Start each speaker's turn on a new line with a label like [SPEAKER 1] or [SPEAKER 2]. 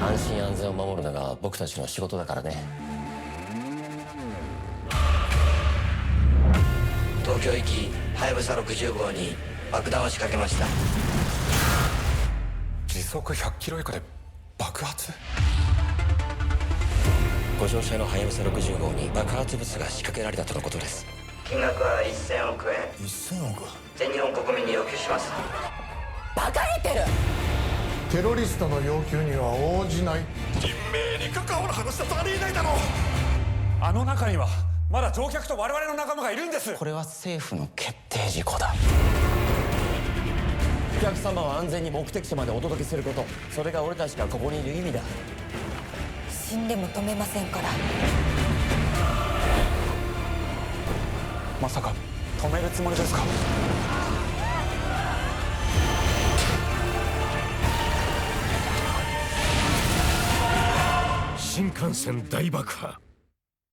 [SPEAKER 1] 安心安全を守るのが僕たちの仕事だからね。東京行きはやぶさ60号に爆弾を仕掛けました。
[SPEAKER 2] 時速100キロ以下で爆発？
[SPEAKER 1] ご乗車のはやぶさ60号に爆発物が仕掛けられたとのことです。金額は1000億円。
[SPEAKER 2] 1000億？
[SPEAKER 1] 全日本国民に要求します。
[SPEAKER 3] バカげてる。
[SPEAKER 4] テロリストの要求には応じない。
[SPEAKER 2] 人命に関わる話だとありえないだろう。あの中にはまだ乗客と我々の仲間がいるんです。
[SPEAKER 1] これは政府の決定事項だ。お客様を安全に目的地までお届けすること、それが俺たちがここにいる意味だ。
[SPEAKER 3] 死んでも止めませんから。
[SPEAKER 2] まさか止めるつもりですか？
[SPEAKER 4] 新幹線大爆破。